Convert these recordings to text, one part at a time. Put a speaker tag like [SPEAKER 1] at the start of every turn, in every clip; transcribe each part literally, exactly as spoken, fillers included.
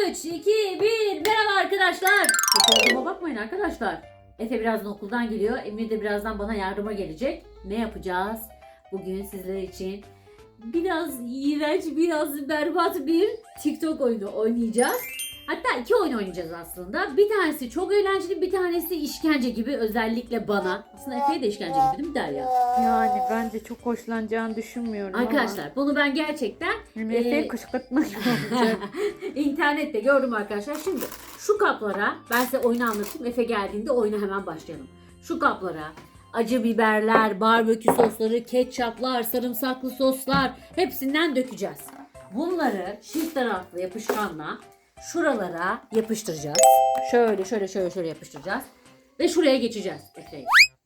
[SPEAKER 1] üç, iki, bir. Merhaba arkadaşlar. Fotoğrafıma bakmayın arkadaşlar. Efe birazdan okuldan geliyor. Emir de birazdan bana yardıma gelecek. Ne yapacağız? Bugün sizler için biraz iğrenç, biraz berbat bir TikTok oyunu oynayacağız. Hatta iki oyun oynayacağız aslında. Bir tanesi çok eğlenceli, bir tanesi işkence gibi, özellikle bana. Aslında Efe'ye de işkence gibi değil mi Derya?
[SPEAKER 2] Yani ben de çok hoşlanacağını düşünmüyorum
[SPEAKER 1] Arkadaşlar
[SPEAKER 2] ama.
[SPEAKER 1] bunu ben gerçekten
[SPEAKER 2] Yani Efe'yi
[SPEAKER 1] e,
[SPEAKER 2] kışkırtmak olacak.
[SPEAKER 1] internette gördüm arkadaşlar. Şimdi şu kaplara ben size oyunu anlatayım. Efe geldiğinde oyuna hemen başlayalım. Şu kaplara acı biberler, barbekü sosları, ketçaplar, sarımsaklı soslar hepsinden dökeceğiz. Bunları çift taraflı yapışkanla şuralara yapıştıracağız. Şöyle şöyle şöyle şöyle yapıştıracağız. Ve şuraya geçeceğiz Efe'yi.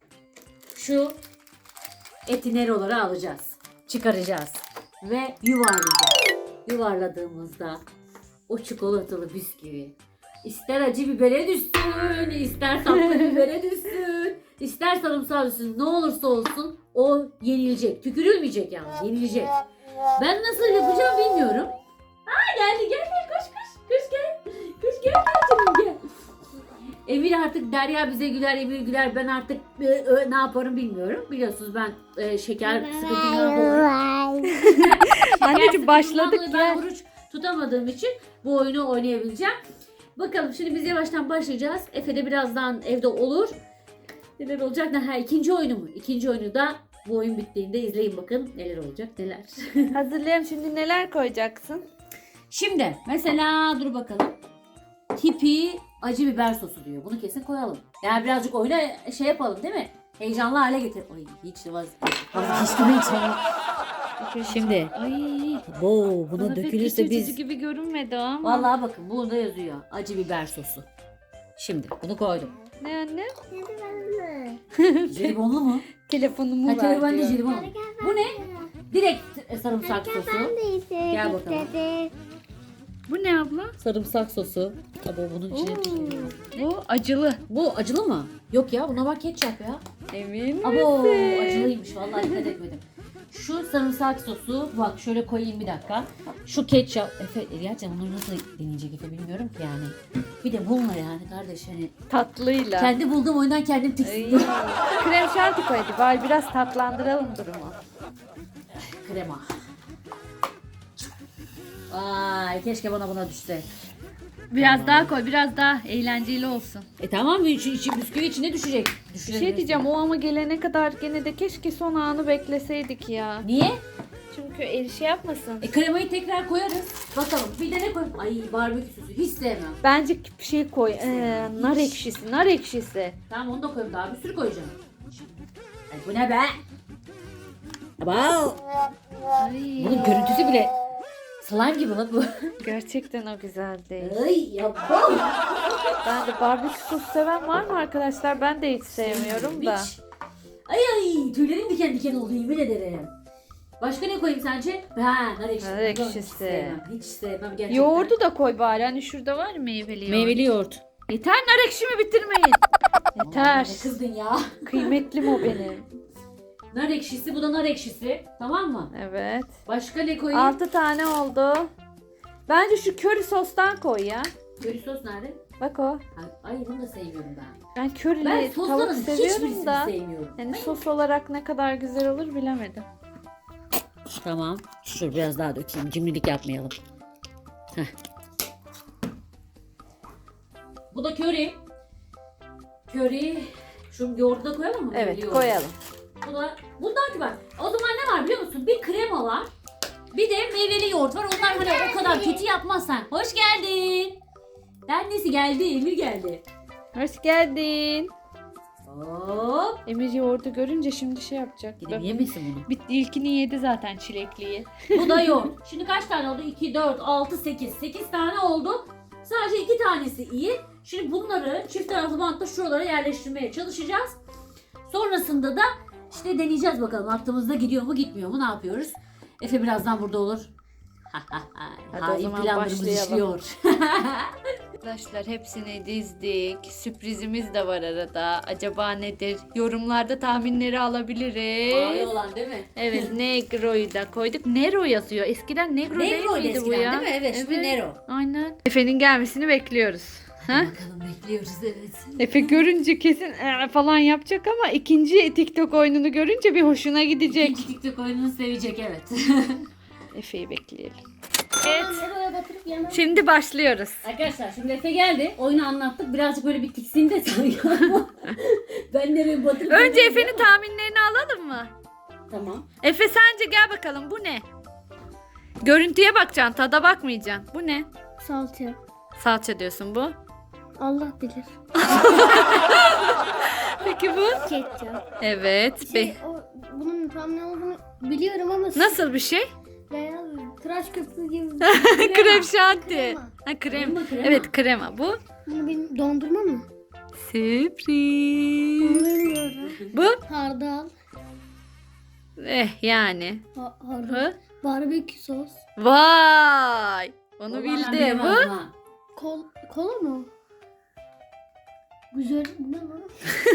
[SPEAKER 1] Şu etineroları alacağız. Çıkaracağız. Ve yuvarlayacağız. Yuvarladığımızda o çikolatalı bisküvi ister acı bibere düşsün, ister tatlı bibere düşsün, ister sarımsağı düşsün, ne olursa olsun o yenilecek. Tükürülmeyecek yani, yenilecek. Ben nasıl yapacağım bilmiyorum. Aa geldi, gel gel, koş koş, koş gel. Koş gel, gel canım gel. Emir artık Derya bize güler, Emir güler. Ben artık e, e, ne yaparım bilmiyorum. Biliyorsunuz ben e, şeker sıkıntımdan dolayı.
[SPEAKER 2] Anneciğim başladık
[SPEAKER 1] Şeker Ben
[SPEAKER 2] ya.
[SPEAKER 1] oruç tutamadığım için bu oyunu oynayabileceğim. Bakalım şimdi biz yavaştan başlayacağız. Efe de birazdan evde olur. Neler olacak? Ha, ikinci oyunu mu? İkinci oyunu da bu oyun bittiğinde izleyin bakın neler olacak neler.
[SPEAKER 2] Hazırlayayım, şimdi neler koyacaksın?
[SPEAKER 1] Şimdi mesela dur bakalım. Tipi acı biber sosu diyor. Bunu kesin koyalım. Yani birazcık oyuna şey yapalım değil mi? Heyecanlı hale getir. Ay hiç de vaz vazgeçtim heyecanlı. Şimdi.
[SPEAKER 2] Ay.
[SPEAKER 1] Bo buna
[SPEAKER 2] Bana pek
[SPEAKER 1] dökülürse
[SPEAKER 2] iç
[SPEAKER 1] biz.
[SPEAKER 2] açıcı gibi görünmedi ama.
[SPEAKER 1] Vallahi bakın burada yazıyor. Acı biber sosu. Şimdi bunu koydum.
[SPEAKER 2] Ne anne?
[SPEAKER 1] Jelibonlu mu?
[SPEAKER 2] Telefonumu
[SPEAKER 1] Ha
[SPEAKER 2] ver
[SPEAKER 1] telefon
[SPEAKER 2] diyor.
[SPEAKER 1] jelibon. Bu ne? Direkt sarımsak sosu. Gel bakalım.
[SPEAKER 2] Bu ne abla?
[SPEAKER 1] Sarımsak sosu. Tabii bunun içine.
[SPEAKER 2] Bu acılı.
[SPEAKER 1] Bu acılı mı? Yok ya buna bak ketçap ya.
[SPEAKER 2] Emin
[SPEAKER 1] Abo
[SPEAKER 2] misin?
[SPEAKER 1] acılıymış vallahi dikkat etmedim. Şu sarımsak sosu bak şöyle koyayım bir dakika. Şu ketçap Efe gerçekten bunları nasıl deneyecek Efe bilmiyorum ki yani. Bir de bununla yani kardeş hani
[SPEAKER 2] Tatlıyla.
[SPEAKER 1] kendi bulduğum oyundan kendim
[SPEAKER 2] Ay.
[SPEAKER 1] tiksindim.
[SPEAKER 2] Krem şanti koy hadi. Bari biraz tatlandıralım durumu.
[SPEAKER 1] Krema. Vay keşke bana buna düşse.
[SPEAKER 2] Biraz daha koy, biraz daha eğlenceli olsun.
[SPEAKER 1] E tamam içi, içi, bisküvi içine düşecek.
[SPEAKER 2] Bir şey diyeceğim, o ama gelene kadar gene de keşke son anı bekleseydik ya.
[SPEAKER 1] Niye?
[SPEAKER 2] Çünkü el şey yapmasın.
[SPEAKER 1] E kremayı tekrar koyarız. Bakalım bir de ne koy? Ay barbekü sosu hiç sevmem.
[SPEAKER 2] Bence bir şey koy. Ee, nar ekşisi, nar ekşisi.
[SPEAKER 1] Tamam onu da koyayım daha bir sürü koyacağım. Ay bu ne be? Wow.
[SPEAKER 2] Ay.
[SPEAKER 1] Bunun görüntüsü bile slime gibi lan bu.
[SPEAKER 2] Gerçekten o güzel değil.
[SPEAKER 1] Ay yapam.
[SPEAKER 2] Ben de barbekü sos seven var mı arkadaşlar? Ben de hiç sevmiyorum da.
[SPEAKER 1] Hiç. Ay ay tüylerim diken diken oldu yemin ederim. Başka ne koyayım sence? Ha nar ekşisi.
[SPEAKER 2] Nar
[SPEAKER 1] Hiç
[SPEAKER 2] ekşisi.
[SPEAKER 1] sevmem. Hiç sevmem gerçekten.
[SPEAKER 2] Yoğurdu da koy bari. Hani şurada var ya meyveli yoğurt.
[SPEAKER 1] Meyveli yoğurt.
[SPEAKER 2] Yeter, nar ekşimi bitirmeyin. Yeter.
[SPEAKER 1] Ne kızdın ya.
[SPEAKER 2] Kıymetlim o benim.
[SPEAKER 1] Nar ekşisi bu da nar ekşisi. Tamam mı?
[SPEAKER 2] Evet.
[SPEAKER 1] Başka ne koyayım?
[SPEAKER 2] Altı tane oldu. Bence şu köri sostan koy ya.
[SPEAKER 1] Köri sos nerede?
[SPEAKER 2] Bak o.
[SPEAKER 1] Ay, ay bunu da sevmiyorum ben.
[SPEAKER 2] Ben körili
[SPEAKER 1] Ben
[SPEAKER 2] tavuk
[SPEAKER 1] sosların
[SPEAKER 2] seviyorum
[SPEAKER 1] hiçbirisini
[SPEAKER 2] da.
[SPEAKER 1] sevmiyorum.
[SPEAKER 2] Yani sos olarak ne kadar güzel olur bilemedim.
[SPEAKER 1] Tamam. Dur biraz daha dökeyim. Cimrilik yapmayalım. Heh. Bu da köri. Köri. Şu yoğurdu da koyalım mı?
[SPEAKER 2] Evet,
[SPEAKER 1] Yoğurdu.
[SPEAKER 2] koyalım.
[SPEAKER 1] Bu da, bundan ki bak. O zaman ne var biliyor musun? Bir krema var. Bir de meyveli yoğurt var. Onlar hani o kadar kötü yapmazsan. Hoş geldin. Annesi geldi. Emir geldi.
[SPEAKER 2] Hoş geldin.
[SPEAKER 1] Hop.
[SPEAKER 2] Emir yoğurdu görünce şimdi şey yapacak.
[SPEAKER 1] Gidip yemesin bunu.
[SPEAKER 2] Bitti, ilkini yedi zaten, çilekliyi.
[SPEAKER 1] Bu da yoğurt. Şimdi kaç tane oldu? iki, dört, altı, sekiz. sekiz tane oldu. Sadece iki tanesi iyi. Şimdi bunları çift taraflı bantla şuralara yerleştirmeye çalışacağız. Sonrasında da işte deneyeceğiz bakalım. Aklımızda gidiyor mu gitmiyor mu ne yapıyoruz? Efe birazdan burada olur.
[SPEAKER 2] Hadi o
[SPEAKER 1] Hain
[SPEAKER 2] zaman
[SPEAKER 1] planlarımız
[SPEAKER 2] başlayalım.
[SPEAKER 1] işliyor.
[SPEAKER 2] Arkadaşlar hepsini dizdik. Sürprizimiz de var arada. Acaba nedir? Yorumlarda tahminleri
[SPEAKER 1] Mavi
[SPEAKER 2] alabiliriz.
[SPEAKER 1] olan değil mi?
[SPEAKER 2] Evet, Negro'yu da koyduk. Nero yazıyor. Eskiden Negro, değil
[SPEAKER 1] Negro'ydu
[SPEAKER 2] miydi bu
[SPEAKER 1] eskiden
[SPEAKER 2] ya?
[SPEAKER 1] değil mi? Evet, şimdi Nero.
[SPEAKER 2] Aynen. Efe'nin gelmesini bekliyoruz. Ha?
[SPEAKER 1] Bakalım bekliyoruz evet.
[SPEAKER 2] Efe görünce kesin "Ee" falan yapacak ama ikinci TikTok oyununu görünce bir hoşuna gidecek.
[SPEAKER 1] İkinci TikTok oyununu sevecek evet.
[SPEAKER 2] Efe'yi bekleyelim.
[SPEAKER 3] Evet. Nereye batırıp yemem.
[SPEAKER 2] Şimdi başlıyoruz.
[SPEAKER 1] Arkadaşlar şimdi Efe geldi. Oyunu anlattık. Birazcık böyle bir tiksindi sanki. Ben nereye batırıp
[SPEAKER 2] Önce
[SPEAKER 1] yemem
[SPEAKER 2] Efe'nin
[SPEAKER 1] ya.
[SPEAKER 2] tahminlerini alalım mı?
[SPEAKER 1] Tamam.
[SPEAKER 2] Efe sence gel bakalım bu ne? Görüntüye bakacaksın, tada bakmayacaksın. Bu ne?
[SPEAKER 3] Salça.
[SPEAKER 2] Salça diyorsun bu.
[SPEAKER 3] Allah bilir.
[SPEAKER 2] Peki bu?
[SPEAKER 3] Ketçap.
[SPEAKER 2] Evet.
[SPEAKER 3] Şey,
[SPEAKER 2] Be-
[SPEAKER 3] o, bunun tam ne olduğunu biliyorum ama
[SPEAKER 2] Nasıl bir şey?
[SPEAKER 3] beyaz tıraş köpüğü gibi.
[SPEAKER 2] Krem şanti.
[SPEAKER 3] Krema.
[SPEAKER 2] Ha, krem.
[SPEAKER 1] Krema, krema.
[SPEAKER 2] Evet krema bu.
[SPEAKER 3] Bunu benim dondurma mı?
[SPEAKER 2] Sürpriz.
[SPEAKER 3] Bunu bilmiyorum.
[SPEAKER 2] Bu?
[SPEAKER 3] Hardal.
[SPEAKER 2] Eh yani.
[SPEAKER 3] Ha, hardal.
[SPEAKER 2] Hı?
[SPEAKER 3] Barbekü sos.
[SPEAKER 2] Vay. Onu
[SPEAKER 1] Vallahi
[SPEAKER 2] bildi.
[SPEAKER 1] ben bilemezdim
[SPEAKER 2] Bu?
[SPEAKER 1] ha.
[SPEAKER 3] Kol, kola mı? Güzel. Bu ne lan?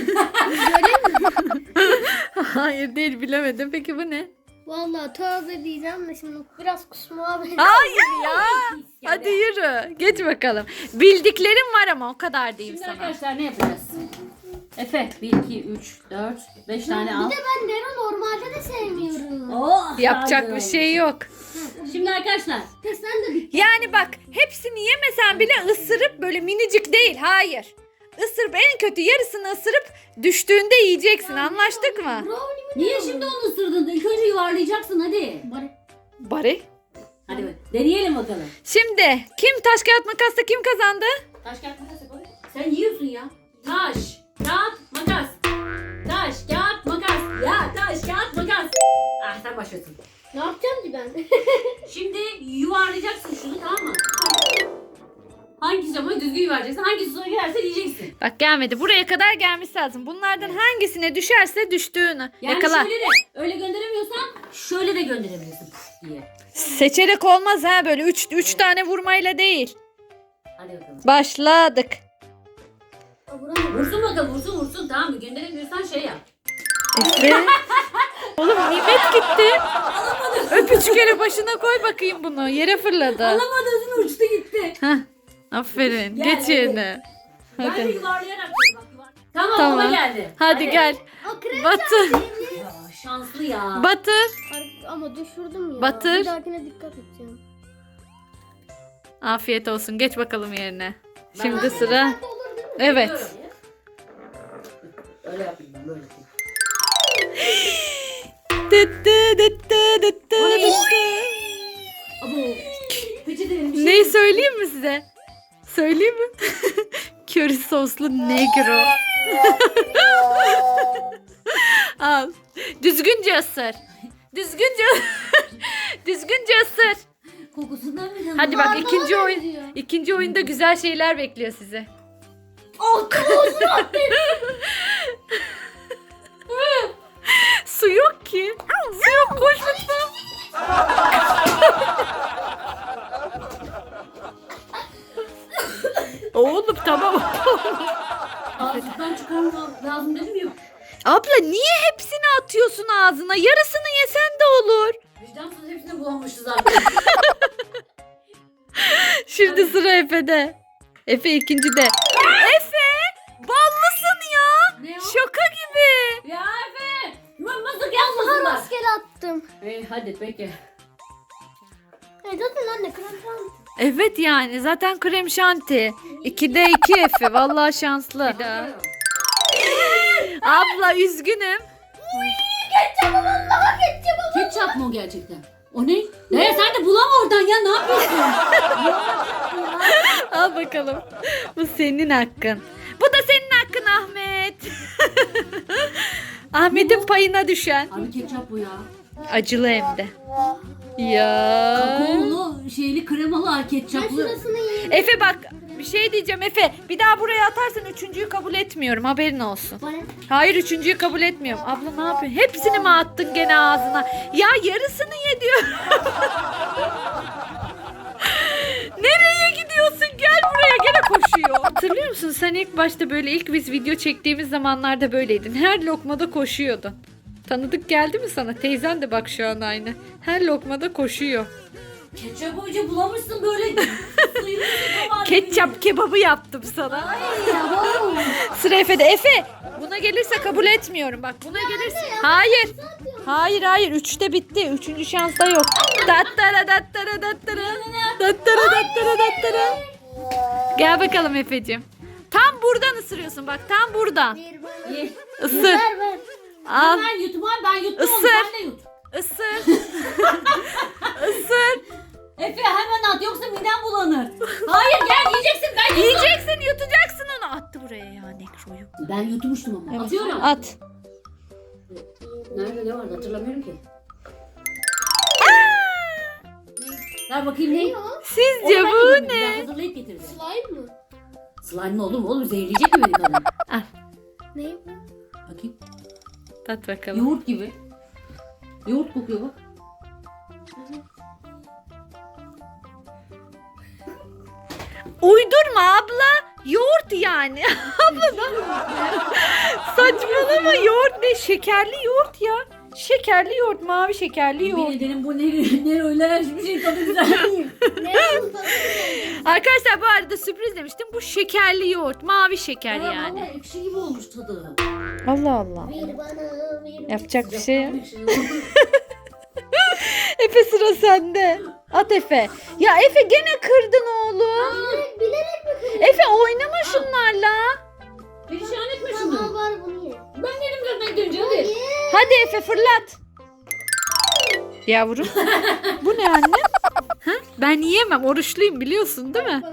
[SPEAKER 2] Hayır değil bilemedim. Peki bu ne?
[SPEAKER 3] Valla tövbe diyeceğim de şimdi biraz kusma benziyor.
[SPEAKER 2] Hayır ya. Hadi yürü. Geç bakalım. Bildiklerim var ama o kadar diyeyim
[SPEAKER 1] Şimdi
[SPEAKER 2] sana.
[SPEAKER 1] arkadaşlar ne yapacağız? Efe bir, iki, üç, dört, beş tane al.
[SPEAKER 3] Bir de ben Nero normalde de sevmiyorum.
[SPEAKER 1] Oh,
[SPEAKER 2] Yapacak
[SPEAKER 1] lazım.
[SPEAKER 2] bir şey yok.
[SPEAKER 1] Şimdi arkadaşlar
[SPEAKER 3] Peki sen de bir
[SPEAKER 2] Yani bak hepsini yemesen bile ısırıp böyle minicik değil. Hayır. Isırıp en kötü yarısını ısırıp düştüğünde yiyeceksin. Anlaştık mı?
[SPEAKER 3] brownie mi?
[SPEAKER 1] niye şimdi onu ısırdın? İlk önce yuvarlayacaksın hadi.
[SPEAKER 3] Bari.
[SPEAKER 2] Bari.
[SPEAKER 1] Hadi bak, deneyelim bakalım.
[SPEAKER 2] Şimdi kim taş kağıt makasla kim kazandı?
[SPEAKER 1] Taş kağıt makas yapalım. Sen yiyorsun ya. Taş, kağıt, makas. Taş, kağıt, makas. Ya taş, kağıt, makas. Ah sen başlasın.
[SPEAKER 3] Ne yapacağım ki ben?
[SPEAKER 1] Şimdi yuvarlayacaksın şunu tamam mı? Hangisi ama düzgün yuvarlayacaksın. Hangisi sonra girerse yiyeceksin.
[SPEAKER 2] Bak gelmedi. Buraya kadar gelmesi lazım. Bunlardan hangisine düşerse düştüğünü.
[SPEAKER 1] Yani
[SPEAKER 2] Yakala.
[SPEAKER 1] şöyle de öyle gönderemiyorsan şöyle de gönderebilirsin puf diye.
[SPEAKER 2] Seçerek olmaz ha böyle üç üç tane vurmayla değil.
[SPEAKER 1] Hadi bakalım.
[SPEAKER 2] Başladık.
[SPEAKER 1] Vursun bakalım vursun vursun tamam mı? Gönderemiyorsan şey yap.
[SPEAKER 2] Efe. Oğlum nimet gitti. Öp üç kere başına koy bakayım bunu. Yere fırladı.
[SPEAKER 1] Alamadığın uçtu gitti.
[SPEAKER 2] Heh. Aferin.
[SPEAKER 1] Gel,
[SPEAKER 2] Geç
[SPEAKER 1] hadi.
[SPEAKER 2] yerine.
[SPEAKER 1] Ben de
[SPEAKER 2] Hadi.
[SPEAKER 1] yuvarlayarak bak yuvar. Tamam,
[SPEAKER 2] Tamam.
[SPEAKER 1] ona geldi.
[SPEAKER 2] Hadi gel.
[SPEAKER 3] O krem
[SPEAKER 2] Batır.
[SPEAKER 1] Ya, şanslı ya.
[SPEAKER 2] Batır.
[SPEAKER 3] Ar- Ama düşürdüm ya.
[SPEAKER 2] Batır.
[SPEAKER 3] Bir dahakine dikkat edeceğim.
[SPEAKER 2] Afiyet olsun. Geç bakalım yerine.
[SPEAKER 1] Ben-
[SPEAKER 2] Şimdi sıra.
[SPEAKER 3] Sen de olur değil mi?
[SPEAKER 2] Evet.
[SPEAKER 1] Biliyorum ya. Öyle yapayım ben böyle yapayım.
[SPEAKER 2] Dıttı dıttı dıttı
[SPEAKER 1] O ne?
[SPEAKER 2] dıttı.
[SPEAKER 1] Abo. Peçetelerim bir şey.
[SPEAKER 2] Neyi söyleyeyim mi size? Söyleyeyim mi? Köri soslu negro. Al. Düzgünce ısır. Düzgünce Düzgünce ısır.
[SPEAKER 1] Kokusundan mı canım?
[SPEAKER 2] Hadi bak
[SPEAKER 3] Barbara
[SPEAKER 2] ikinci oyun
[SPEAKER 3] benziyor.
[SPEAKER 2] ikinci oyunda güzel şeyler bekliyor sizi.
[SPEAKER 1] Oh,
[SPEAKER 2] Su yok ki. Su yok koş lütfen. Oğlum tamam.
[SPEAKER 1] ağzından çıkarmam lazım dedim ya.
[SPEAKER 2] Abla niye hepsini atıyorsun ağzına? Yarısını yesen de olur.
[SPEAKER 1] Vicdansız hepsini bulanmışız zaten.
[SPEAKER 2] Şimdi sıra Efe'de. Efe ikincide. Efe! Ballısın ya.
[SPEAKER 1] Ne o?
[SPEAKER 2] Şoka gibi.
[SPEAKER 1] Ya Efe! Yuvan mazık yazmasınlar.
[SPEAKER 3] Rastgele attım.
[SPEAKER 1] Hey, hadi peki.
[SPEAKER 3] E zaten anne krem şanti.
[SPEAKER 2] Evet yani zaten krem şanti. ikide iki Efe. Vallahi şanslı. Abla üzgünüm.
[SPEAKER 3] Ketçapı vallahi ketçapı.
[SPEAKER 1] Ketçap mı o gerçekten? O ne? Ne sen de bulama oradan ya ne yapıyorsun?
[SPEAKER 2] Al bakalım. Bu senin hakkın. Bu da senin hakkın Ahmet. Ahmet'in payına düşen.
[SPEAKER 1] Abi ketçap bu ya.
[SPEAKER 2] Acılı hem de. Ya.
[SPEAKER 1] Kakaolu, şeyli, kremalı, ay
[SPEAKER 3] Ben
[SPEAKER 1] ketçaplı.
[SPEAKER 3] şurasını yiyeyim.
[SPEAKER 2] Efe bak bir şey diyeceğim Efe. Bir daha buraya atarsan üçüncüyü kabul etmiyorum. Haberin olsun.
[SPEAKER 3] Bana.
[SPEAKER 2] Hayır üçüncüyü kabul etmiyorum. Abla ne yapıyorsun? Hepsini mi attın gene ağzına? Ya yarısını ye diyor. Nereye gidiyorsun? Gel buraya. Gene koş musun sen ilk başta böyle ilk biz video çektiğimiz zamanlarda böyleydin. Her lokmada koşuyordun. Tanıdık geldi mi sana? Teyzen de bak şu an aynı. Her lokmada koşuyor.
[SPEAKER 1] Ketçap hoca bulamışsın böyle. Sıyırmışsın ama.
[SPEAKER 2] Ketçap kebabı yaptım sana. Sıra Efe'de. Efe buna gelirse kabul etmiyorum. Bak buna gelirse. Hayır. Hayır hayır. Üçte bitti. Üçüncü şans da yok. Dattara dattara dattara. Dattara dattara dattara. Gel bakalım Efe'cim. Tam buradan ısırıyorsun bak. Tam buradan.
[SPEAKER 3] Bir bana.
[SPEAKER 1] Ye.
[SPEAKER 2] Isır.
[SPEAKER 3] Ver ver.
[SPEAKER 2] Al.
[SPEAKER 1] Ben yutmam ben yuttum onu
[SPEAKER 2] Isır.
[SPEAKER 1] sen de yut.
[SPEAKER 2] Isır. Isır.
[SPEAKER 1] Efe hemen at yoksa midem bulanır. Hayır gel yiyeceksin ben yuttum.
[SPEAKER 2] Yiyeceksin yutacaksın onu. Attı buraya ya nekroyu.
[SPEAKER 1] Ben yutmuştum ama.
[SPEAKER 2] Evet.
[SPEAKER 1] Atıyorum.
[SPEAKER 2] At.
[SPEAKER 1] Nerede ne vardı hatırlamıyorum ki. Ne? Ver bakayım ne?
[SPEAKER 3] Ne o?
[SPEAKER 2] Sizce
[SPEAKER 1] Onu ben
[SPEAKER 2] bu
[SPEAKER 1] yemedim,
[SPEAKER 2] ne?
[SPEAKER 1] Ben hazırlayıp getirdim.
[SPEAKER 3] Slime mı?
[SPEAKER 1] Slime mi oğlum? Oğlum zehirleyecek mi beni kadın?
[SPEAKER 2] Al.
[SPEAKER 3] Ne bu?
[SPEAKER 1] Bakayım.
[SPEAKER 2] Tat bakalım.
[SPEAKER 1] Yoğurt gibi. Yoğurt kokuyor bak.
[SPEAKER 2] Uydurma abla. Yoğurt yani. Abla da. Saçmalama yoğurt ne? Şekerli yoğurt ya. Şekerli yoğurt, mavi şekerli
[SPEAKER 1] Yemin
[SPEAKER 2] yoğurt.
[SPEAKER 1] ederim bu ne, ne öyle hiçbir şey tadı güzel değil.
[SPEAKER 3] Ne bu?
[SPEAKER 2] Arkadaşlar bu arada sürpriz demiştim. Bu şekerli yoğurt, mavi şeker
[SPEAKER 1] Ya
[SPEAKER 2] yani.
[SPEAKER 1] vallahi ekşi gibi olmuş tadı.
[SPEAKER 2] Allah Allah.
[SPEAKER 3] Bir bana bir.
[SPEAKER 2] Yapacak bir şey yok.
[SPEAKER 1] Ekşi.
[SPEAKER 2] Efe sıra sende. At Efe. Ya Efe gene kırdın oğlum.
[SPEAKER 3] Bilerek, bilerek mi kırdın?
[SPEAKER 2] Efe oynama şunlarla.
[SPEAKER 1] Perişan etme
[SPEAKER 3] Tamam
[SPEAKER 1] şunu.
[SPEAKER 3] var bunu ye.
[SPEAKER 1] Ben yedim zaten gidince hadi.
[SPEAKER 2] Hadi Efe fırlat. Yavrum. Bu ne anne? Ha? Ben yiyemem. Oruçluyum biliyorsun değil mi?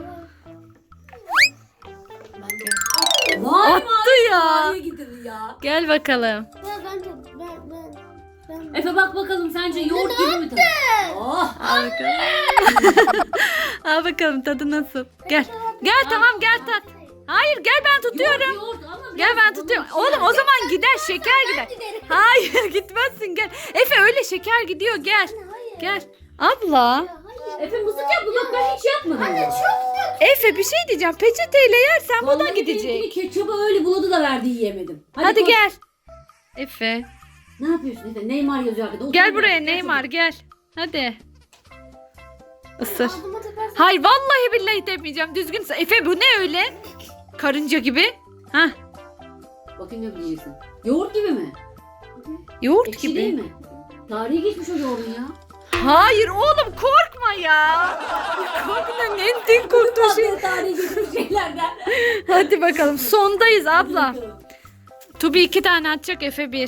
[SPEAKER 1] Vay
[SPEAKER 2] Attı ya.
[SPEAKER 1] Nereye gidiyor ya?
[SPEAKER 2] Gel bakalım.
[SPEAKER 3] Ya ben de ben ben ben.
[SPEAKER 1] Efe bak bakalım sence yoğurt gibi mi tadı? Oh.
[SPEAKER 2] Al bakalım. Al bakalım tadı nasıl? Gel. Gel tamam gel tat. Hayır gel ben tutuyorum.
[SPEAKER 1] Yoğurt, yoğurt ama
[SPEAKER 2] Gel
[SPEAKER 1] biraz
[SPEAKER 2] ben
[SPEAKER 1] onun
[SPEAKER 2] tutuyorum.
[SPEAKER 1] içine-
[SPEAKER 2] Oğlum o zaman gider şeker gider. Hayır gitmezsin gel. Efe öyle şeker gidiyor gel. Gel. Abla.
[SPEAKER 1] Efe mızık yaptı bak ben hiç yapmadım.
[SPEAKER 3] Anne çok
[SPEAKER 2] Efe bir şey diyeceğim. Peçeteyle yersen bu da
[SPEAKER 1] Vallahi
[SPEAKER 2] gidecek.
[SPEAKER 1] benimkini ketçaba öyle buladı da verdi yiyemedim.
[SPEAKER 2] Hadi
[SPEAKER 1] koş.
[SPEAKER 2] gel. Efe.
[SPEAKER 1] Ne yapıyorsun Efe? Neymar yazıyor arkada. Otur
[SPEAKER 2] Gel
[SPEAKER 1] biraz,
[SPEAKER 2] buraya
[SPEAKER 1] gel
[SPEAKER 2] Neymar
[SPEAKER 1] çabuk.
[SPEAKER 2] gel. Hadi. Isır.
[SPEAKER 3] Altıma takarsın.
[SPEAKER 2] Hayır vallahi billahi demeyeceğim. Düzgün. ısı- Efe bu ne öyle? Karınca gibi. Hah.
[SPEAKER 1] Bakayım ne diyeceksin. Yoğurt gibi mi?
[SPEAKER 2] Yoğurt
[SPEAKER 1] Ekşi
[SPEAKER 2] gibi.
[SPEAKER 1] değil mi? Tarihi geçmiş o yoğurdun ya.
[SPEAKER 2] Hayır oğlum korkma ya. Korkma ne din korktuğu şey.
[SPEAKER 1] Tatlı tarihi geçmiş şeylerden.
[SPEAKER 2] Hadi bakalım sondayız abla. Tubi iki tane atacak Efe bir.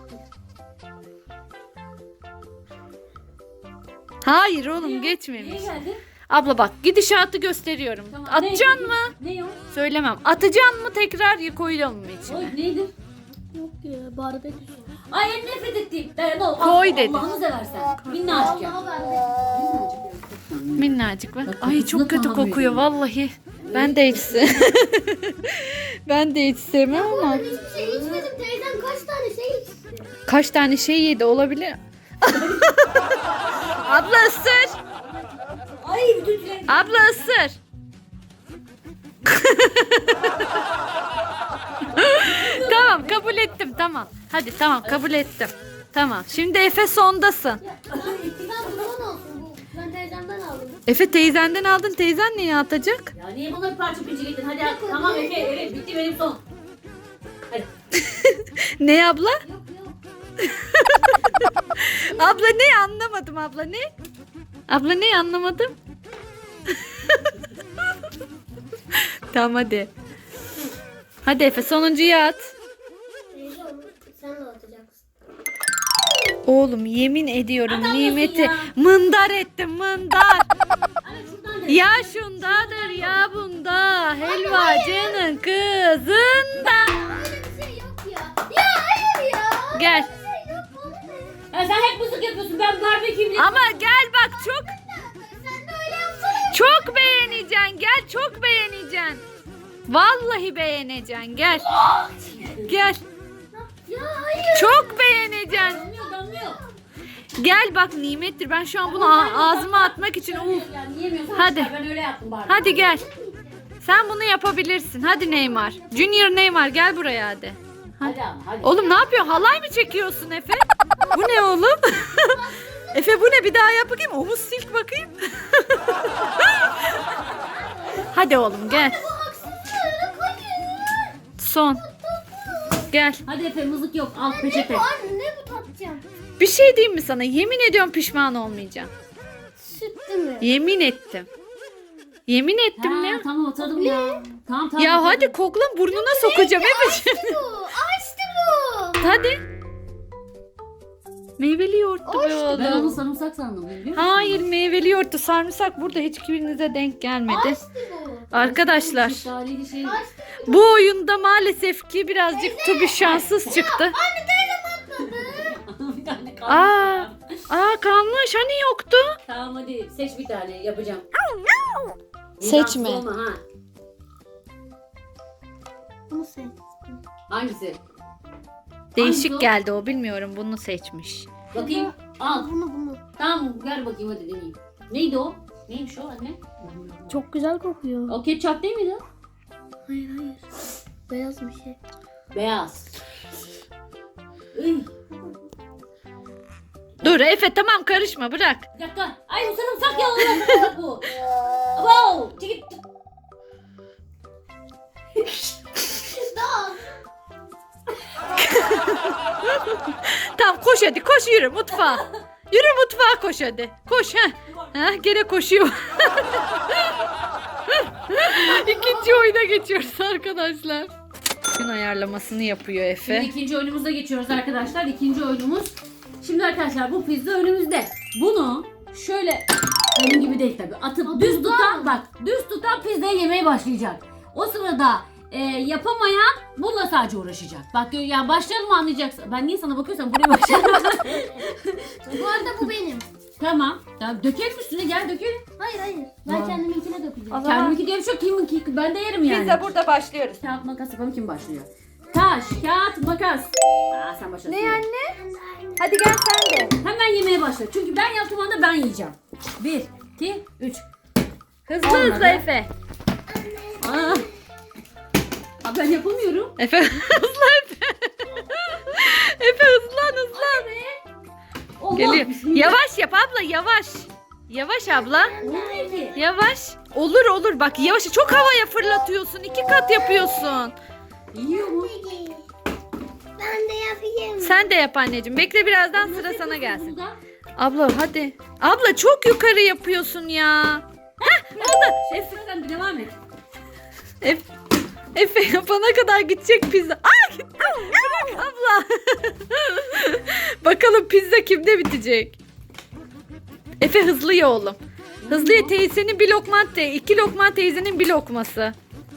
[SPEAKER 2] Hayır oğlum geçmemiş.
[SPEAKER 1] Niye geldi?
[SPEAKER 2] Abla bak gidişatı gösteriyorum.
[SPEAKER 1] Tamam,
[SPEAKER 2] Atacaksın
[SPEAKER 1] ne-
[SPEAKER 2] mı?
[SPEAKER 1] Ne o?
[SPEAKER 2] Söylemem. Atacaksın mı tekrar koyalım mı içine?
[SPEAKER 1] Oy neydi?
[SPEAKER 3] Yok ya barbekü.
[SPEAKER 1] Ay en nefret ettiğim. Ben, no,
[SPEAKER 2] Koy
[SPEAKER 1] Allah-
[SPEAKER 2] dedim.
[SPEAKER 1] Allah'ını seversen. Minnacık ya.
[SPEAKER 3] Vallahi barbekü.
[SPEAKER 2] Minnacık bak.
[SPEAKER 1] Bak,
[SPEAKER 2] Ay
[SPEAKER 1] kokusuna
[SPEAKER 2] çok kötü
[SPEAKER 1] tahammül
[SPEAKER 2] kokuyor
[SPEAKER 1] edemem.
[SPEAKER 2] vallahi. Ben de hiç se- Ben de hiç sevmem ama.
[SPEAKER 3] Ben hiçbir şey içmedim. Teyzem kaç tane şey içti.
[SPEAKER 2] Kaç tane şey yedi olabilir. Abla ısır.
[SPEAKER 1] Ay bütün tüylerim.
[SPEAKER 2] Abla ısır. Tamam kabul ettim tamam. Hadi tamam kabul ettim. Tamam. Şimdi Efe sondasın.
[SPEAKER 3] Ben bundan olsun bu. Ben teyzemden aldım.
[SPEAKER 2] Efe teyzenden aldın. Teyzen niye atacak?
[SPEAKER 1] Ya niye bana bir parça pinçe getirdin? Hadi hadi. Tamam Efe evet bitti benim son. Hadi.
[SPEAKER 2] Ne abla?
[SPEAKER 3] Yok yok.
[SPEAKER 2] Abla ne anlamadım abla ne? Abla ne anlamadım? Tamam hadi. Hadi Efe sonuncuyu at.
[SPEAKER 3] Teyze onu sen de atacaksın.
[SPEAKER 2] Oğlum yemin ediyorum
[SPEAKER 1] Atamıyorsun
[SPEAKER 2] nimeti
[SPEAKER 1] ya.
[SPEAKER 2] mındar ettim mındar.
[SPEAKER 1] Anne şuradan de.
[SPEAKER 2] Ya şundadır ya bunda helvacının kızında.
[SPEAKER 3] Öyle bir şey yok ya. Ya hayır ya.
[SPEAKER 2] Gel.
[SPEAKER 3] Öyle bir şey yok. Bana ne?
[SPEAKER 1] Ya sen hep mızık yapıyorsun. Ben barbeküyüm.
[SPEAKER 2] Ama gel bak çok
[SPEAKER 3] Sen de öyle yapsana.
[SPEAKER 2] çok beğeneceksin gel çok beğeneceksin. Vallahi beğeneceksin gel. Gel.
[SPEAKER 3] Ya hayır.
[SPEAKER 2] Çok beğeneceksin.
[SPEAKER 1] Damlıyor damlıyor.
[SPEAKER 2] Gel bak nimettir. Ben şu an bunu a- ağzıma atmak için uf.
[SPEAKER 1] Yani yiyemiyorsan
[SPEAKER 2] Hadi.
[SPEAKER 1] çıkar, ben öyle yaptım barbekü.
[SPEAKER 2] Hadi gel. Sen bunu yapabilirsin. Hadi Neymar. Junior Neymar gel buraya hadi.
[SPEAKER 1] Hadi ama hadi.
[SPEAKER 2] Oğlum ne yapıyorsun? Halay mı çekiyorsun Efe? Bu ne oğlum? Efe bu ne? Bir daha yap bakayım. Omuz silk bakayım. Hadi oğlum gel. Son. Gel.
[SPEAKER 1] Hadi Efe mızık yok. Al peçete.
[SPEAKER 3] Anne ne bu tatacağım?
[SPEAKER 2] Bir şey diyeyim mi sana? Yemin ediyorum pişman olmayacağım.
[SPEAKER 3] Sütlü mü?
[SPEAKER 2] Yemin ettim. Yemin ettim
[SPEAKER 1] Ha,
[SPEAKER 2] ya.
[SPEAKER 1] tamam atalım ya. Tamam tamam.
[SPEAKER 2] Ya
[SPEAKER 1] atalım.
[SPEAKER 2] hadi kokla burnuna sokacağım Efe'ciğim.
[SPEAKER 3] Bu açtı bu.
[SPEAKER 2] Hadi. Meyveli yoğurttu be
[SPEAKER 1] Ben onu
[SPEAKER 2] oğlum.
[SPEAKER 1] sarımsak sandım biliyor musun?
[SPEAKER 2] Hayır meyveli yoğurttu. Sarımsak burada hiçbirinize denk gelmedi.
[SPEAKER 3] Açtı bu.
[SPEAKER 2] Arkadaşlar
[SPEAKER 1] Şeftaliydi şey.
[SPEAKER 3] Açtı.
[SPEAKER 2] bu oyunda maalesef ki birazcık Tubi şanssız çıktı.
[SPEAKER 3] Anne teyzem atladı.
[SPEAKER 1] Bir tane kaldı.
[SPEAKER 2] Aa, aa kalmış hani yoktu.
[SPEAKER 1] Tamam hadi seç bir tane yapacağım.
[SPEAKER 2] Seçme.
[SPEAKER 1] Vicdansız olma, ha.
[SPEAKER 3] Bunu seç.
[SPEAKER 1] Hangisi?
[SPEAKER 2] Değişik
[SPEAKER 1] Hangisi o?
[SPEAKER 2] geldi o bilmiyorum bunu seçmiş.
[SPEAKER 1] Bakayım. Al.
[SPEAKER 3] Bunu bunu.
[SPEAKER 1] Tamam ver bakayım hadi deneyeyim. Neydi o? Neymiş o anne?
[SPEAKER 3] Çok güzel kokuyor.
[SPEAKER 1] O ketçap değil miydi?
[SPEAKER 3] Hayır hayır. Beyaz bir şey.
[SPEAKER 1] Beyaz. Iy.
[SPEAKER 2] Dur Efe tamam karışma bırak.
[SPEAKER 1] Bir dakika. Ay bu sarımsak ya. Allah sarımsak bu. Wow. Çekil.
[SPEAKER 3] Daha.
[SPEAKER 2] Tamam koş hadi koş yürü mutfağa. Yürü mutfağa koş hadi. Koş ha. Ha gene koşuyor. İkinci oyuna geçiyoruz arkadaşlar. Gün ayarlamasını yapıyor Efe.
[SPEAKER 1] Şimdi ikinci oyunumuza geçiyoruz arkadaşlar. İkinci oyunumuz. Şimdi arkadaşlar bu pizza önümüzde. Bunu şöyle benim gibi değil tabii. Atıp düz tutan bak düz tutan pizzayı yemeye başlayacak. O sırada e, yapamayan bununla sadece uğraşacak. Bak gö- yani başlayalım mı anlayacaksın. Ben niye sana bakıyorsam buraya başlayalım.
[SPEAKER 3] Bu arada bu benim.
[SPEAKER 1] Tamam. Tamam dökelim üstüne gel dökelim.
[SPEAKER 3] Hayır hayır. Ben
[SPEAKER 1] Aa.
[SPEAKER 3] kendiminkine dökeceğim.
[SPEAKER 1] Kendiminki diye bir şey yok. Kimin ki ben de yerim yani.
[SPEAKER 2] Pizza burada başlıyoruz.
[SPEAKER 1] Kağıt makas yapalım kim başlıyor? Taş, kağıt, makas. Aa sen başlasın.
[SPEAKER 2] Ne anne? Hadi gel sen de.
[SPEAKER 1] Hemen yemeye başla. Çünkü ben yaptığım anda ben yiyeceğim. Bir, iki, üç.
[SPEAKER 2] Hızlı
[SPEAKER 1] Olmadı.
[SPEAKER 2] hızlı Efe.
[SPEAKER 1] Aa. Aa, ben yapamıyorum.
[SPEAKER 2] Efe hızlı Efe. Efe hızlan hızlan.
[SPEAKER 1] Allah,
[SPEAKER 2] Geliyor.
[SPEAKER 1] bismillah.
[SPEAKER 2] Yavaş yap abla yavaş. Yavaş abla.
[SPEAKER 1] Olmuyor ki.
[SPEAKER 2] Yavaş. Olur olur bak yavaş. Çok havaya fırlatıyorsun. İki kat yapıyorsun.
[SPEAKER 1] Yiyor mu?
[SPEAKER 3] Ben de yapayım.
[SPEAKER 2] Sen de yap anneciğim. Bekle birazdan
[SPEAKER 1] Nasıl
[SPEAKER 2] sıra sana
[SPEAKER 1] yapıyorsun
[SPEAKER 2] gelsin.
[SPEAKER 1] burada?
[SPEAKER 2] Abla hadi. Abla çok yukarı yapıyorsun ya. Heh oldu.
[SPEAKER 1] Şef sen de devam et.
[SPEAKER 2] Efe, Efe yapana kadar gidecek pizza. Aa gitti. Bırak abla. Bakalım pizza kimde bitecek? Efe hızlı ye oğlum. Hızlı ye teyzenin bir lokma te, iki lokma teyzenin bir lokması.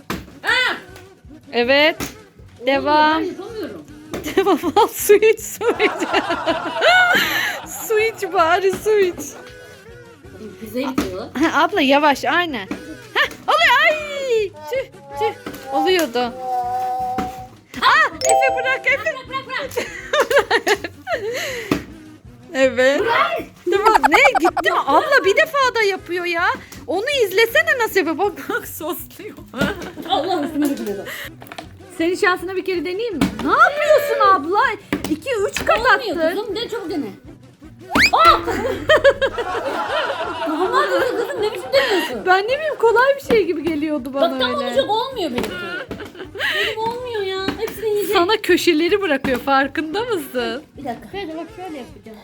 [SPEAKER 2] Evet. Devam.
[SPEAKER 1] Ben yapamıyorum.
[SPEAKER 2] Devam al su iç su iç. Su iç bari su iç.
[SPEAKER 1] Pizzayı bitiyor.
[SPEAKER 2] Ha, abla yavaş aynen. Heh, oluyor ay. Tüh tüh. Oluyordu. Aa Efe bırak Efe.
[SPEAKER 1] Bırak bırak bırak.
[SPEAKER 2] Evet. Tamam ne gitti mi? Abla bir defa da yapıyor ya. Onu izlesene nasıl yapıyor. Bak bak sosluyor.
[SPEAKER 1] Allah üstüme dökülüyor.
[SPEAKER 2] Senin şansına bir kere deneyeyim mi? Ne yapıyorsun abla? iki üç kat
[SPEAKER 1] Olmuyor
[SPEAKER 2] attın.
[SPEAKER 1] kızım. De çabuk dene. Aa! Normal değil kızım. Ne biçim deniyorsun?
[SPEAKER 2] Ben ne bileyim kolay bir şey gibi geliyordu bana
[SPEAKER 1] Bak tam
[SPEAKER 2] öyle.
[SPEAKER 1] olacak olmuyor benimki. Benim olmuyor ya. Hepsini yiyecek.
[SPEAKER 2] Sana köşeleri bırakıyor farkında mısın?
[SPEAKER 1] Bir dakika.
[SPEAKER 3] Şöyle bak şöyle yapacağım.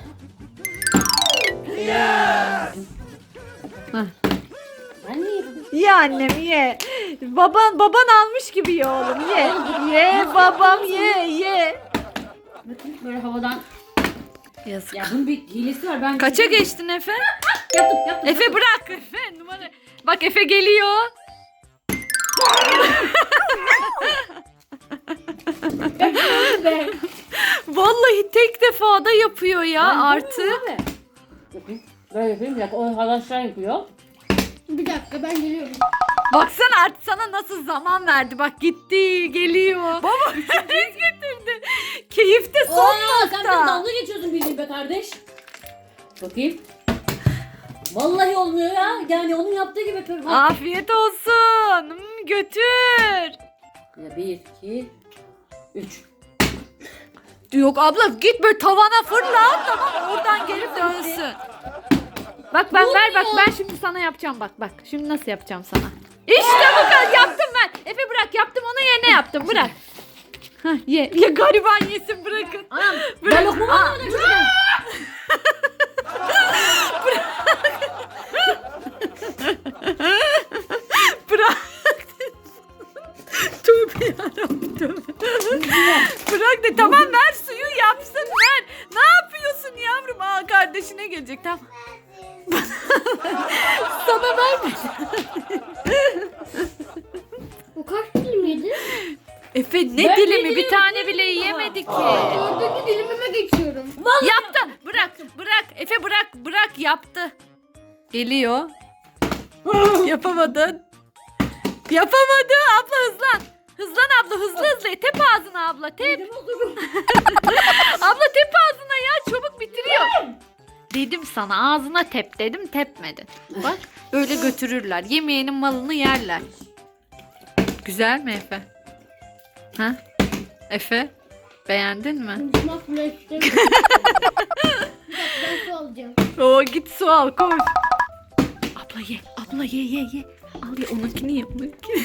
[SPEAKER 2] Heh.
[SPEAKER 1] Ben niye yapayım?
[SPEAKER 2] Ye annem ye. Baban baban almış gibi ye oğlum ye. Ye babam ye ye.
[SPEAKER 1] Bakın böyle havadan.
[SPEAKER 2] Yazık.
[SPEAKER 1] Ya bunun bir hilesi var. Ben
[SPEAKER 2] Kaça geçtin Efe?
[SPEAKER 1] Yaptım yaptım.
[SPEAKER 2] Efe bırak Efe numara. Bak Efe geliyor.
[SPEAKER 1] Be.
[SPEAKER 2] Vallahi tek defada yapıyor ya
[SPEAKER 1] Ben
[SPEAKER 2] artık.
[SPEAKER 1] yapamıyorum abi. Yapayım. Böyle yapayım. Bir dakika. O arkadaşlar yapıyor.
[SPEAKER 3] Bir dakika ben geliyorum.
[SPEAKER 2] Baksana artık sana nasıl zaman verdi. Bak gitti geliyor. Baba üçüncüyü getirdi. Keyifte son
[SPEAKER 1] Aa, sen
[SPEAKER 2] nokta.
[SPEAKER 1] biraz dalga geçiyorsun bildiğin be kardeş. Bakayım. Vallahi olmuyor ya. Yani onun yaptığı gibi yapıyorum. Ha.
[SPEAKER 2] Afiyet olsun. Hmm, götür.
[SPEAKER 1] Ya bir, iki, üç.
[SPEAKER 2] Yok abla git böyle tavana fırla, tamam oradan geri dönsün. Bak ben ver bak ben şimdi sana yapacağım bak bak. Şimdi nasıl yapacağım sana? İşte bu kadar yaptım ben. Efe bırak yaptım onu yerine yaptım bırak. Hah, ye. Ya gariban yesin bırakın.
[SPEAKER 1] Anam
[SPEAKER 2] Bırak.
[SPEAKER 1] ben lokma
[SPEAKER 2] Aa.
[SPEAKER 1] almadım şuradan.
[SPEAKER 2] Bırak. Tövbe yarabbim tövbe. Bırak de tamam ver suyu yapsın ver. Ne yapıyorsun yavrum? Aa kardeşine gelecek tamam. Sana verme.
[SPEAKER 3] O kaç dilim yedi?
[SPEAKER 2] Efe ne
[SPEAKER 1] Ben
[SPEAKER 2] dilimi
[SPEAKER 1] ne
[SPEAKER 2] bir
[SPEAKER 1] dilim
[SPEAKER 2] tane
[SPEAKER 1] yedim
[SPEAKER 2] bile
[SPEAKER 1] ama.
[SPEAKER 2] yiyemedi ki.
[SPEAKER 3] Dördüncü dilimime geçiyorum.
[SPEAKER 2] Yaptı. Bırak bırak Efe bırak bırak yaptı. Geliyor. Yapamadın. Yapamadı. Abla hızlan. Hızlan abla hızlı hızlı. Tep ağzına abla tep. Abla tep ağzına ya çabuk bitiriyor. Dedim sana ağzına tep dedim tepmedin. Bak öyle götürürler. Yemeğinin malını yerler. Güzel mi Efe? Ha? Efe? Beğendin mi?
[SPEAKER 3] Konuşmak bile istemiyorum. Bir dakika ben su alacağım.
[SPEAKER 2] Oo git su al koş. Abla ye. Abla ye ye ye. Al ye onunkini ye onunkini.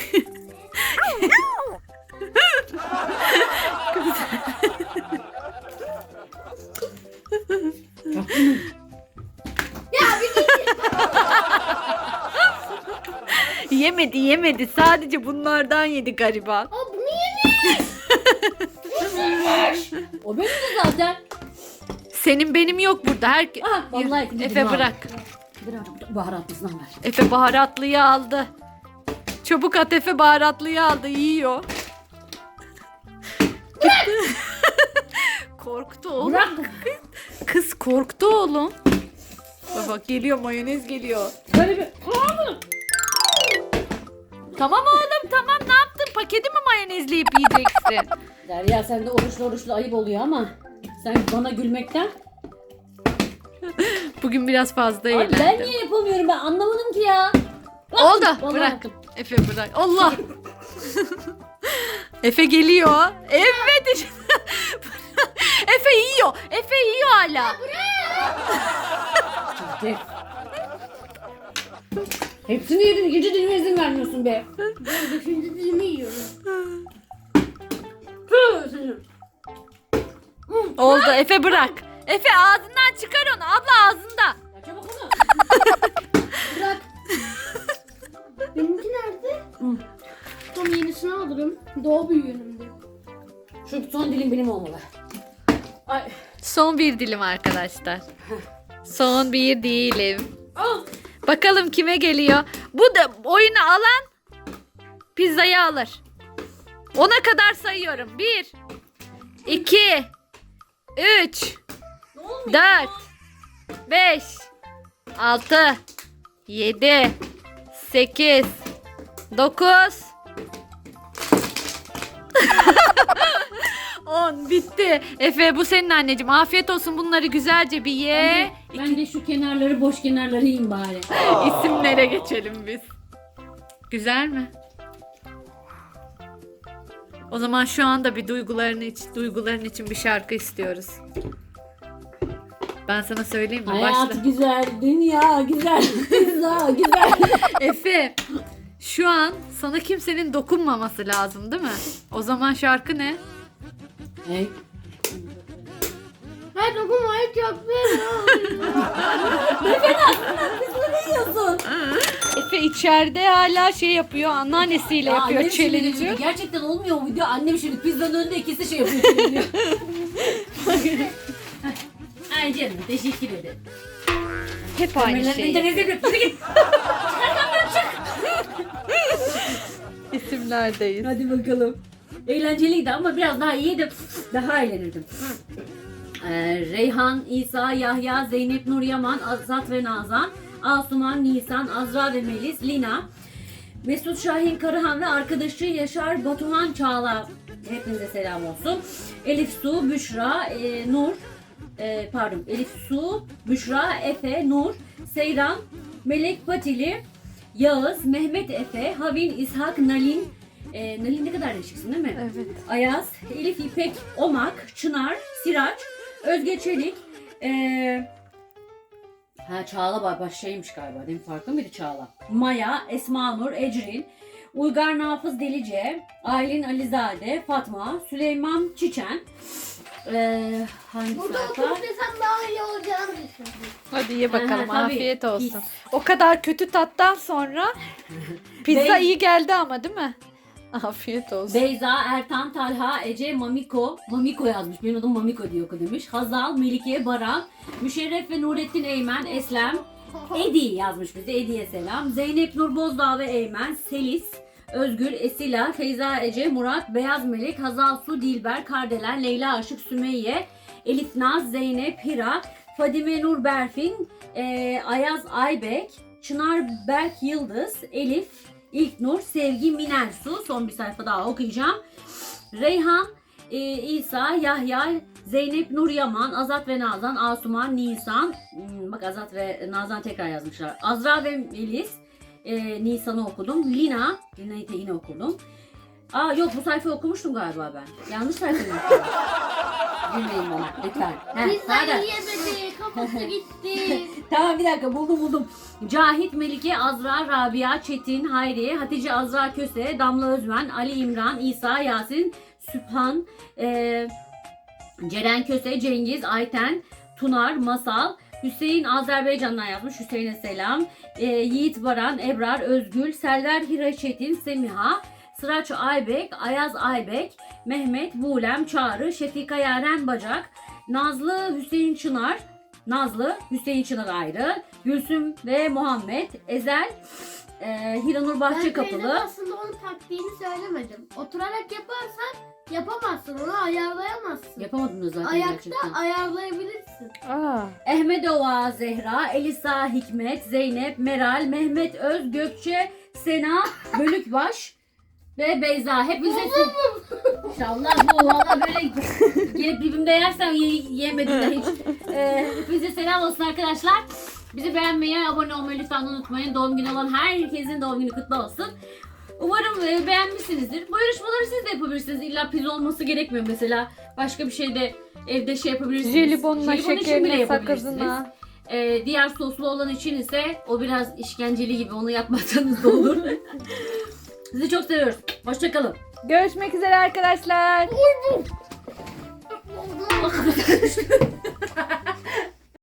[SPEAKER 2] Yemedi yemedi sadece bunlardan yedi gariban.
[SPEAKER 3] Aa bunu yemiş.
[SPEAKER 1] O benim de zaten.
[SPEAKER 2] Senin benim yok burada. Her...
[SPEAKER 1] Ah, vallahi ikinci
[SPEAKER 2] Efe
[SPEAKER 1] dilimi
[SPEAKER 2] bırak.
[SPEAKER 1] Bırak. Baharatlısından ver.
[SPEAKER 2] Efe baharatlıyı aldı. Çabuk at Efe baharatlıyı aldı yiyor. Korktu oğlum.
[SPEAKER 1] Bırak.
[SPEAKER 2] Kız korktu oğlum. Bak bak geliyor mayonez geliyor.
[SPEAKER 1] Böyle bir.
[SPEAKER 2] Tamam oğlum tamam ne yaptın? Paketi mi mayonezleyip yiyeceksin?
[SPEAKER 1] Derya sen de oruçlu oruçlu ayıp oluyor ama sen bana gülmekten.
[SPEAKER 2] Bugün biraz fazla
[SPEAKER 1] Abi ben
[SPEAKER 2] eğlendim.
[SPEAKER 1] niye yapamıyorum ben anlamadım ki ya. Bak,
[SPEAKER 2] Oldu
[SPEAKER 1] vallahi
[SPEAKER 2] bırak.
[SPEAKER 1] yaptım.
[SPEAKER 2] Efe bırak. Allah. Efe geliyor. Evet. işte. Efe yiyor. Efe yiyor hala.
[SPEAKER 1] Çifte. Hepsini yedin ikinci dilime izin vermiyorsun be.
[SPEAKER 3] Ben beşinci dilimi yiyorum.
[SPEAKER 1] Hı, seni.
[SPEAKER 2] Oldu Efe bırak. Efe ağzından çıkar onu. Abla ağzında.
[SPEAKER 1] Ya çabuk onu.
[SPEAKER 3] Bırak. Benimki nerede?
[SPEAKER 1] Hı.
[SPEAKER 3] Tam yenisini alırım. Doğu büyüğünümdü.
[SPEAKER 1] Şu son dilim benim olmalı. Ay.
[SPEAKER 2] Son bir dilim arkadaşlar. Son bir dilim.
[SPEAKER 1] Ah.
[SPEAKER 2] Bakalım kime geliyor. Bu da oyunu alan pizzayı alır. Ona kadar sayıyorum. Bir, iki, üç,
[SPEAKER 1] Ne olmuyor?
[SPEAKER 2] dört, beş, altı, yedi, sekiz, dokuz, on bitti. Efe bu senin anneciğim. Afiyet olsun bunları güzelce bir ye.
[SPEAKER 1] Ben de şu kenarları boş kenarları yiyeyim bari.
[SPEAKER 2] İsimlere geçelim biz. Güzel mi? O zaman şu anda bir duyguların için, duyguların için bir şarkı istiyoruz. Ben sana söyleyeyim mi?
[SPEAKER 1] Hayat
[SPEAKER 2] Başla.
[SPEAKER 1] güzel, dünya güzel, pizza güzel.
[SPEAKER 2] Efe, şu an sana kimsenin dokunmaması lazım değil mi? O zaman şarkı ne?
[SPEAKER 1] Hey.
[SPEAKER 3] Hayır dokunmayı çok seviyorum.
[SPEAKER 1] Ne yiyorsun?
[SPEAKER 2] Efe içeride hala şey yapıyor, anneannesiyle
[SPEAKER 1] Ya
[SPEAKER 2] yapıyor
[SPEAKER 1] annem şimdi
[SPEAKER 2] challenge'ı.
[SPEAKER 1] dedi, gerçekten olmuyor o video. Annem şimdi pizzanın önünde ikisi şey yapıyor. Şimdi. Ay canım teşekkür ederim.
[SPEAKER 2] Hep aynı
[SPEAKER 1] Kamerayı
[SPEAKER 2] şey.
[SPEAKER 1] internet yapıyor. Hadi git.
[SPEAKER 2] İsimlerdeyiz.
[SPEAKER 1] Hadi bakalım. Eğlenceliydi ama biraz daha iyiydi. Daha eğlenirdim. Ee, Reyhan, İsa, Yahya, Zeynep, Nur Yaman, Azat ve Nazan, Asuman, Nisan, Azra ve Melis, Lina, Mesut Şahin Karahan ve arkadaşı Yaşar Batuhan Çağla. Hepinize selam olsun. Elif Su, Büşra, e, Nur, e, pardon Elif Su, Büşra, Efe, Nur, Seyran, Melek Patili, Yağız, Mehmet Efe, Havin, İshak, Nalin. Ee, Nalin ne kadar değişiksin değil mi?
[SPEAKER 2] Evet.
[SPEAKER 1] Ayaz, Elif, İpek, Omak, Çınar, Siraç, Özge Çelik. Ee, ha Çağla var, baş şeymiş galiba. Değil mi? Farklı mıydı Çağla? Maya, Esma Nur, Ecrin, Uygar Nafız Delice, Aylin Alizade, Fatma, Süleyman Çiçen. Ee, hangi
[SPEAKER 3] Burada
[SPEAKER 1] sayfa?
[SPEAKER 3] oturup desem daha iyi olacağını düşündüm.
[SPEAKER 2] Hadi ye bakalım.
[SPEAKER 1] Aha, tabii.
[SPEAKER 2] Afiyet olsun.
[SPEAKER 1] Pis.
[SPEAKER 2] O kadar kötü tattan sonra pizza
[SPEAKER 1] Bey-
[SPEAKER 2] iyi geldi ama değil mi? Afiyet olsun.
[SPEAKER 1] Beyza, Ertan, Talha, Ece, Mamiko. Mamiko yazmış. Benim adım Mamiko diye oku demiş. Hazal, Melike, Baran, Müşerref ve Nurettin Eymen, Eslem, Edi yazmış bize. Edi'ye selam. Zeynep Nur Bozdağ ve Eymen, Selis, Özgül, Esila, Feyza Ece, Murat, Beyaz Melek, Hazal Su, Dilber, Kardelen, Leyla Aşık, Sümeyye, Elif Naz, Zeynep, Hira, Fadime Nur Berfin, e, Ayaz Aybek, Çınar Berk Yıldız, Elif, İlknur, Sevgi, Minersu. Son bir sayfa daha okuyacağım. Reyhan, e, İsa, Yahya, Zeynep Nur Yaman, Azat ve Nazan, Asuman, Nisan. Hmm, bak Azat ve Nazan tekrar yazmışlar. Azra ve Melis. E, Nisan'ı okudum. Lina, Lina'yı da yine okudum. Aa yok, bu sayfayı okumuştum galiba ben. Yanlış sayfayı okudum. Gülmeyin bana lütfen. Heh,
[SPEAKER 3] Pizza
[SPEAKER 1] pardon.
[SPEAKER 3] yiyemedi. Kafası gitti.
[SPEAKER 1] Tamam bir dakika, buldum buldum. Cahit, Melike, Azra, Rabia, Çetin, Hayriye, Hatice, Azra Köse, Damla Özmen, Ali İmran, İsa, Yasin, Sübhan, e, Ceren Köse, Cengiz, Ayten, Tunar, Masal, Hüseyin Azerbaycan'dan yazmış. Hüseyin'e selam. E, Yiğit Baran, Ebrar, Özgül, Selver Hira Çetin, Semiha, Sıraç Aybek, Ayaz Aybek, Mehmet, Buğlem, Çağrı, Şefika Yaren Bacak, Nazlı, Hüseyin Çınar, Nazlı, Hüseyin Çınar ayrı, Gülsüm ve Muhammed, Ezel, e, Hiranur
[SPEAKER 3] Ben teyzem
[SPEAKER 1] Bahçekapılı.
[SPEAKER 3] aslında onun taktiğini söylemedim. Oturarak yaparsan yapamazsın. Onu ayarlayamazsın.
[SPEAKER 1] Yapamadın zaten
[SPEAKER 3] Ayakta
[SPEAKER 1] gerçekten.
[SPEAKER 3] ayarlayabilirsin.
[SPEAKER 2] Aa.
[SPEAKER 1] Ehmedova Zehra, Elisa Hikmet, Zeynep, Meral, Mehmet Öz, Gökçe, Sena, Bölükbaş ve Beyza. Hepinize İnşallah bu valla böyle gelip dibimde yersem ye- yemedim de hiç. Ee, hepinize selam olsun arkadaşlar. Bizi beğenmeyi, abone olmayı lütfen unutmayın. Doğum günü olan herkesin doğum günü kutlu olsun. Umarım e, beğenmişsinizdir. Bu yarışmaları siz de yapabilirsiniz. İlla pizza olması gerekmiyor mesela. Başka bir şey de evde şey yapabilirsiniz.
[SPEAKER 2] Jelibonla,
[SPEAKER 1] Jelibon için bile
[SPEAKER 2] şekerine,
[SPEAKER 1] yapabilirsiniz.
[SPEAKER 2] sakızına.
[SPEAKER 1] Ee, diğer soslu olan için ise o biraz işkenceli gibi, onu yapmasanız da olur. Sizi çok seviyoruz. Hoşçakalın.
[SPEAKER 2] Görüşmek üzere arkadaşlar.
[SPEAKER 3] Oldu.